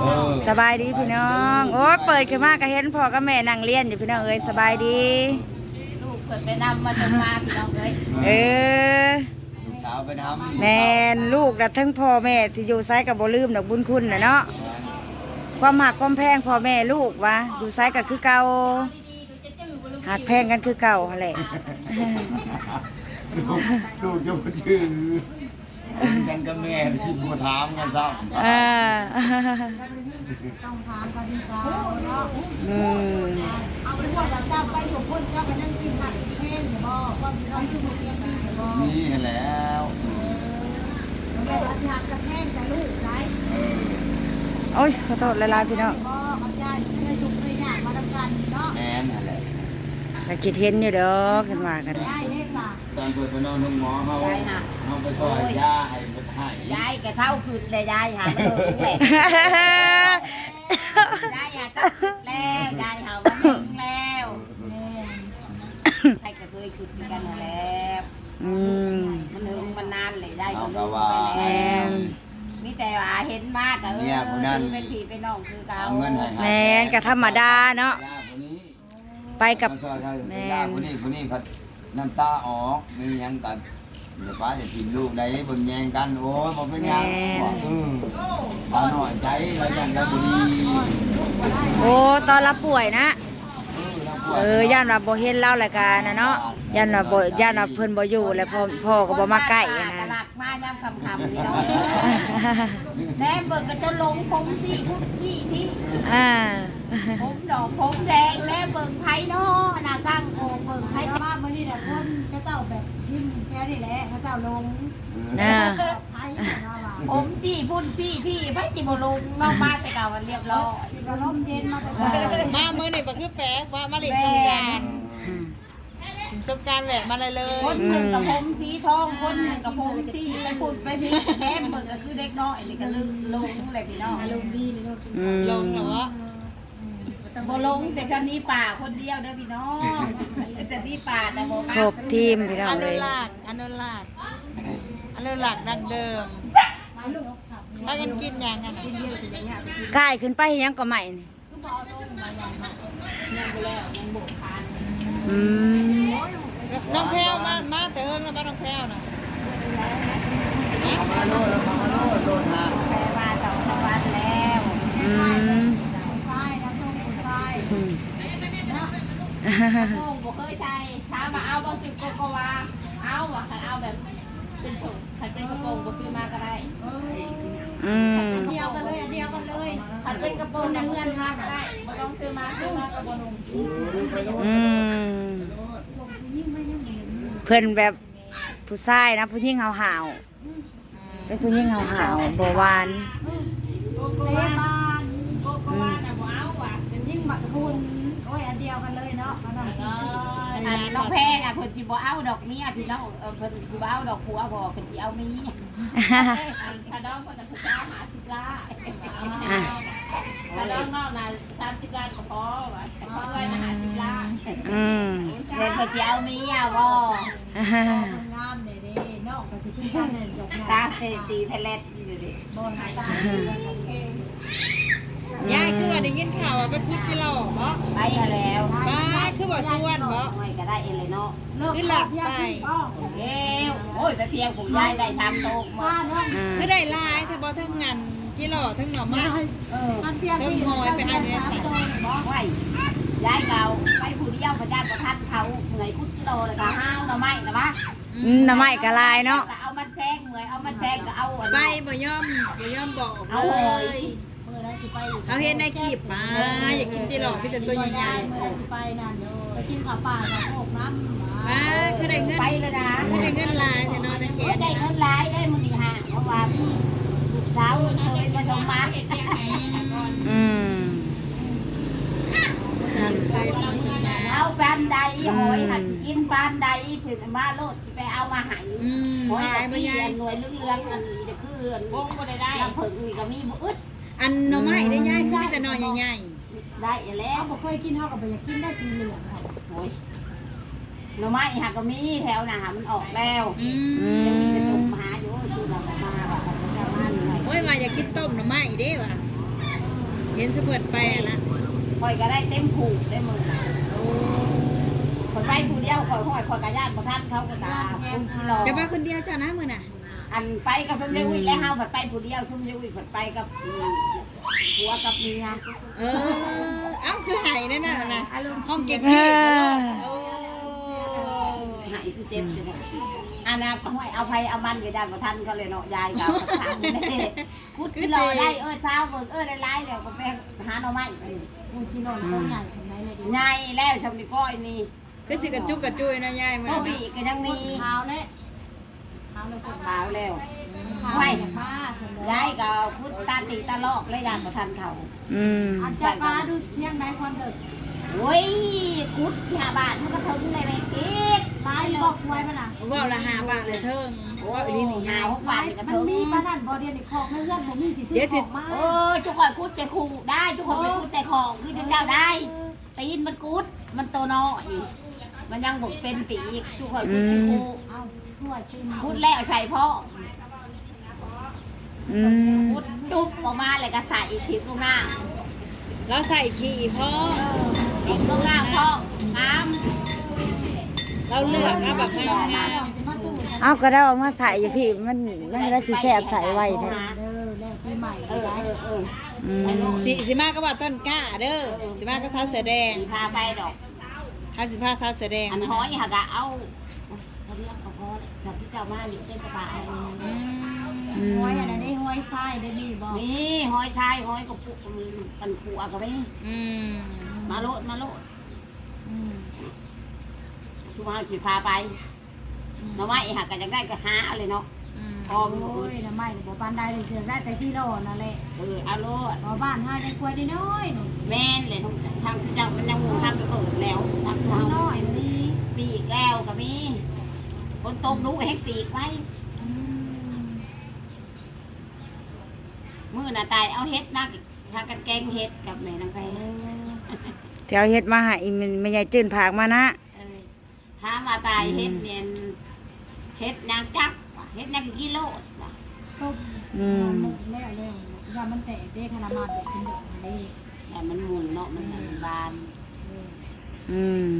สบายดีพี่น้องโอ้เปิดขึ้นมาก็เห็นพ่อกับแม่นั่งเรียนอยู่พี่น้องเอ้ยสบายดีลูกเกิดไปนำมาจนมาพี่น้องเอ้ยลูกสาวไปทำแม่ลูกดัดทั้งพ่อแม่ที่อยู่ไซกับบ่ลืมดอกบุญคุณน่ะเนาะความหักความแพงพ่อแม่ลูกวะอยู่ไซกับคือเก่าหักแพงกันคือเก่าแหละลูกจะมาชื่อกันกับแม่ที่มาถามกันซ้ำต้องถามกันดีกว่าเนาะเอาไปว่าเจ้าไปอยู่พุ่นเจ้าก็ยังกินผักกินแห้งอยู่บ่ว่ามีน้องคือบ่เตรียมดีอยู่บ่นี่แล้วแม่รักงานกับแห้งจะลูกไหนโอ้ยขอโทษหลายๆพี่น้องบ่เอาใจให้ทุกข์ให้ยากมาทำกันเนาะแม่นั่นแหละก็คิดเห็นอยู่ดอกกันว่ากันได้เด้จ้ะตอนเปิดไปนอนห้องหมอเขาไปซอยยาให้มันให้ยายแกเข้าคืนเลยยายหาไม่เลิกแหละยายอย่าต้องแล้วยายหามาถึงแล้วใครก็เคยคืนกันแล้วมันถึงมันนานเลยได้ก็รู้ไปแล้วมีแต่ว่าเห็นมากก็เป็นผีเป็นน้องคือเขาแม่นก็ธรรมดาเนาะไปกับแม่คนนี้พัดน้ำตาออกมียังกันเดี๋ยวป้าจะทีมลูกได้เบิ่งแยงกันโอ้ยบอกเป็นยังตาหน่อยใจแล้วกันแล้วบุรีโอ้ตอนรับป่วยนะย่านว่าบ่เห็นเล่ารายการนะเนาะย่านว่าเพิ่นบ่อยู่แล้วพ่อก็บ่มาใกล้นะหลักมาย่ำคำนี่เนาะแม่เบิ่งก็จะลงผมซี่พุ่นซี่พี่ผมดอกผมแดงแม่เบิ่งไผเนาะหน้ากลางโอ่งเบิ่งไผมาเมื่อนี้แหละคนเขาเจ้าแบบยิ้มแค่นี้แหละเขาเจ้าลงผมจี้พุ่นจี้พี่ไผสิบ่ลงนอกมาแต่เก่ามันเรียบร้อยลมเย็นมาแต่มาเมื่อนี่บ่คือแปลกว่ามาเล่นสงกรานต์แหวะมาเลยคนหนึ่งกับผมสีทองคนหนึ่งกับผมสีไปพุ่นไปพี่แม่เบิ่งก็คือเด็กน้อยนี่ก็ลงแหละพี่น้องลงดีเลยลงเหรอบ่ลงแต่ฉันนี้ป่าคนเดียวเด้อพี่น้องจะนี่ป่าแต่บ่มาครบทีมพี่น้องเลยอนุรักษ์ดังเดิมถ้ากันกินอย่างนั้นกายขึ้นไปยังก็ใหม่นี่น้องแพรวมาแต่เอิ้งแล้วบ้านน้องแพรวน่ะมาโดนหาแม่มา2 วันแล้วใช่นะช่วงใช่โอ้บ่เคยใส่ถามว่าเอาบ่ซื้อโกโกวาเอาว่าคันเอาแบบเป็นส่งคันเป็นกระโปรงบ่ซื้อมาก็ได้เดียวกันเลยคันเป็นกระโปรงในเงินค่ะก็ได้บ่ต้องซื้อมาก็บ่นุ่งเพิ่นแบบผู้ชายนะผู้หญิงห่าวๆเป็นผู้หญิงห่าวๆบ่หวานโกวาน่ะบ่เอาว่ะเป็นยิ่งบักคุณโอ้ยอันเดียวกันเลยเนาะน้องแพรน่ะเพิ่นสิบ่เอาดอกเมียพี่น้องเพิ่นสิบ่เอาดอกผัวบ่เพิ่นสิเอาเมียถ้าน้องก็จะผู้สาว50 ล้านถ้าน้องนอกน่ะ30 ล้านก็พอว่าแต่พอเลยน่ะ50 ล้านเพิ่นก็สิเอาเมียบ่งามเด้ๆน้องก็สิขึ้นกันนั่นดอกตาตีแพลตอยู่เด้บ่หายตายายคือว่าได้ยินข่าวว่าไปคุดกิโลบ่ไปแล้วป้าคือบ่ส่วนบ่ไม่ก็ได้เองเลยเนาะคือหลับไปเอ้วโอ้ยไปเพียงผมยายได้3 โต๊ะมาคือได้ลายถ้าบ่ทั้งงานกิโลทั้งหน่อไม้มันเพียงทั้งหอยไปอันนี้3 โต๊ะบ่ไหวยายเก่าไปผู้เดียวพระเจ้าประทับเขาเหนื่อยคุดกิโลแล้วก็ห้าวหน่อไม้นะวะหน่อไม้ก็ลายเนาะเอามันแซงเหนื่อยเอามันแซงก็เอาไปบ่ยอมบอกเลยเอาเห็นในคลิปมาอยากกินตีหลอกพี่แต่ตัวใหญ่ๆไปนั่นไปกินข้าวปลากับพวกน้ำมาคือได้เงินไปเลยนะคือได้เงินลายแทนนอนในเขตได้เงินลายได้มื้อนี้ฮะเพราะว่าพี่สาวเคยมาทำมาเอาปานใดหอยหัดกินปานใดเพิ่นมาโลดสิไปเอามาให้หอยบ่ยายหน่วยเรื่องอันนี้จะคือวงบ่ได้ลำเพิ่งนี่ก็มีบ่อึดอันหน่อไม้ได้ย่ายคือแต่หน่อใหญ่ๆได้แล้วบ่เคยกินเฮาก็บ่อยากกินได้สีเหลืองค่ะโอ้ยหน่อไม้หาก็มีแถวน่ะมันออกแล้วยังมีแต่ตุ่มหาอยู่คือเรามาว่าจะมาหน่อยโอ้ยมาอยากกินต้มหน่อไม้เด้ว่ะห็นสะเปิดไปนะคอยก็ได้เต็มผูกได้มือโอ้คนไปผู้เดียวคอยห้อยคอยกระยานประทันเขาก็ตาคุณที่รอจะไปคนเดียวเจ้านะมื้อน่ะอันไปกับทุ่มเลี้ยอุ้ยแล้วเฮาผัดไปผู้เดียวทุ่มเลี้ยอุ้ยผัดไปกับผัวกับเมียเออเอ้าคือไห้นั่นน่ะนะห้องเก๊กเอๆอโอ้หายคือเจ็บเลยอันน่ะห้อยเอาไปเอามันกระยานประทันเขาเลยเนาะยายกับทางนี่พูดที่รอได้เช้าเบิ่งได้ไล่แล้วก็ไปหาหน่อไม้พูดที่รอต้องใหญ่สมัยเลยใหญ่แล้วชมดีก้อยนี่คือสิกระจุกกระจุยนะยายมื้อก็นั้นมีก็ยังมีเท้าเลยเท้าเลยฝนขาวแล้วเท้าไม่บ้าฝนเลยยายก็พุทตาตีตาลอกและยานประทันเขาอืมอันเจ้าป้าดูเที่ยงไหนความเด็กโอ้ยคุดที่บาทมันก็ถึงเลยแม่กิ๊กตายบอกไว้มันอ่ะว่าละ5 บาทเลยเทิงโอ้ว่าย อีนี่หาหา 6 บาทก็มันถึงมีป้านั่นบ่เดียนอีกของในเรื่องผมมีสิซื้อของมาโอ้ยทุกคนคุดแต่คู่ได้ทุกคนไปคุดแต่ของคือเจ้าได้ตีนมันคุดมันโตน้อยมันยังบกเป็นปีอีกทุกคนคุดแต่คู่เอาถ้วยติมคุดแล้วใส่พ่ออืมคุดจุ๊บออกมาเลยก็ใส่อีกชิ้นตรงหน้าเราใส่ขี้พ่ออีกตรงหน้าพ่อน้ำเราเลือกนะแบบงามมาแล้วสิมาสู้กันเอาก็ได้เอามาใส่อยู่พี่มันได้สิแซ่บใส่ไว้แท้เด้อแล้วปีใหม่เออได้อืมสิมาก็ว่าต้นกล้าเด้อสิมาก็สาวเสือแดงพาไปดอกถ้าสิพาสาวเสือแดงอันห้อยหักเอาเขาเรียกเขาพอสับที่เจ้ามาอยู่เส้นกระบะอืมห้อยอะไรนี่ห้อยไส้ได้มีบ่นี่ห้อยชายห้อยกับปุกปันขัวกับนี่อืมมาโลดชุมาสิพาไปน้องไม้หักกันยังได้ก็หาเลยเนาะอืมพอมโอ้ยน้ำไม้บ่ปานใดเลยเสียได้แต่ที่โลนั่นแหละเอาโลดบ่บ้านห้าได้กล้วยได้น้อยแม่นเลยทางเจ้ามันยังทางก็เปิดแล้วทางเราน้อยนี่ปีกแล้วกับมีคนตบรู้ให้ปีกไว้มือน่ะตายเอาเฮ็ดนักพากันแกงเฮ็ดกับแม่นางไผแถวเฮ็ดมาให้มันไม่ใหญ่จื้นผากมานะถามว่าตายเฮ็ดเนี่ยเฮ็ดนางจักเฮ็ดนางกิโลก็แล้วอย่ามันแตกเด้ขนาดมาแบบเป็นดอกนี่แต่มันหมุนเนาะมันบานอืม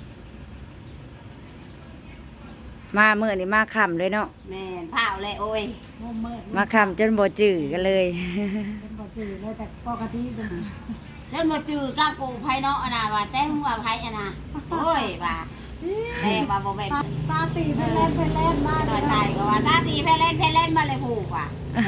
มามื้อนี้มาค่ำเลยเนาะแม่นเผาเลยโอ้ยโมเมิดมาค่ำจนบ่จื้อกันเลยเป็นบ่จืดเลยแต่ปกติเป็นเล่นมาจื้อก้ากูไผเนาะอันน่ะว่าแต่หัวไผอันน่ะโอ้ยว่าแต่ว่าบ่แม่นตาตีเพิ่นเล่นมาน้อยตายก็ว่าตาตีแพเล่นมาเลยผูกว่ะ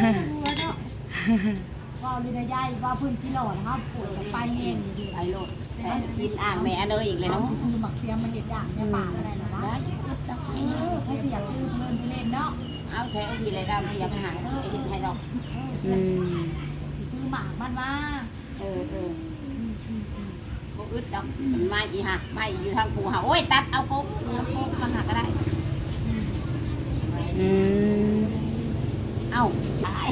ว่าลินายายว่าพื้นที่หล่อนะครับปวดกับไปเองอยู่ดีไอ้โลดกินอ่างแม่เนยอีกเลยเอาเนาะสิคือหมักเสียมมันเห็ดอย่างในป่าอะไรนะวะให้เสียงคือเพลินไปเล่นเนาะเอาแท้เอาทีไรดำเสียงหายไอ้เห็นให้ดอกอืมคือหมากมันว่าเออบ่อึดดอกมันมาอีห่ามาอยู่ทางภูหาโอ้ยตัดเอาโป๊กมาหาก็ได้อืมเอ้าตาย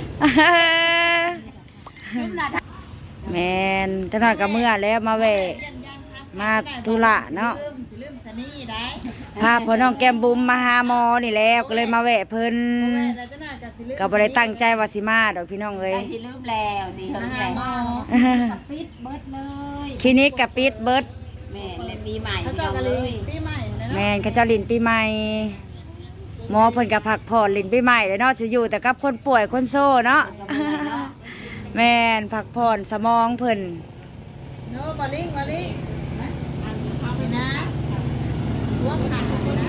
ขึ้นน่ะแม่นจังหน่อยก็เมื่อแล้วมาแวะมาธุระเนาะลืมสนี่ได้พาพ่อน้องแก้มบุ๋มมาหาหมอนี่แล้วก็เลยมาแวะเพิ่นแล้วจะน่าจะสิลืมก็บ่ได้ตั้งใจว่าสิมาดอกพี่น้องเอ้ยได้สิลืมแล้วดีเฮิงแล้วมากับปิดเบิดเลยคลินิกก็ปิดเบิดแม่เลยปีใหม่เขาเจ้ากันเลยปีใหม่นะแม่นเขาเจะลินปีใหม่หมอเพิ่นก็พักผ่อนลินปีใหม่เลยเนาะสิอยู่แต่กับคนป่วยคนโซ่เนาะ แม่นพักผ่อนสมองเพิ่นโน้บอลลิงนะเอาไปนะร่วมกันนะ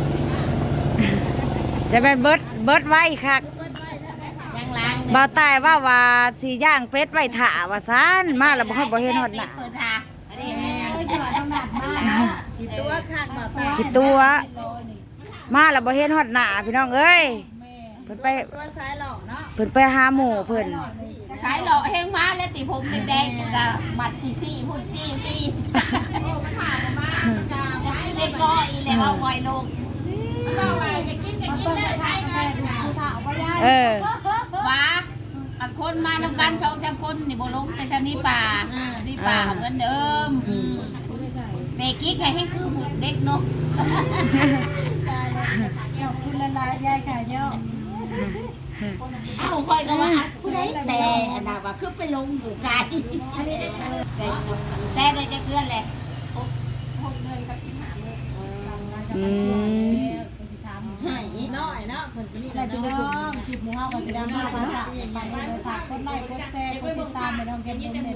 จะเป็นเบิดไว้คักยังล้างบ่ตายว่าสิย่างเป็ดไว้ถ่าว่าซั่นมาแล้วบ่ฮอดบ่เห็นฮอดหน้าเปิดทาอันนี้เอ้ยจังหวะต้องหนักมากเนาะขีดตัวข้างบ่ตาสิตัวมาแล้วบ่เห็นฮอดหน้าพี่น้องเอ้ยเพิ่นไปตัวซ้ายหล่อเนาะเพิ่นไปหาหมู่เพิ่นขายหล่อเฮงมาแล้วติผมแดงๆกับหมัดซี่พุ่นจี้โอ้มันผ่านมาจะเล็กน้อยเลยเอาไว้ลงเอาไว้จะกินมันเปิดกระทะแม่ดูผู้ถ่าเอาไปย่างเออว้าอันคนมานำกัน2-3คนนี่บ่ลงแต่ชนี่ป่านี่ป่าเหมือนเดิมแม่กิ๊กให้คือเด็กเนาะตายแล้วเจ้าคุณละลายยายค่ะเจ้าเอ้าค่อยก็ว่าผู้ใดแต่อันน่ะว่าคือไปลงอยู่ไกลแต่ได้จะเพื่อนแหละอืมน้อยเนาะเพิ่นก็นี่อะไรพี่น้องคลิปนี้เฮาก็สิได้มาฝากไปเลยฝากกดไลค์กดแชร์กดติดตามไปน้องเกม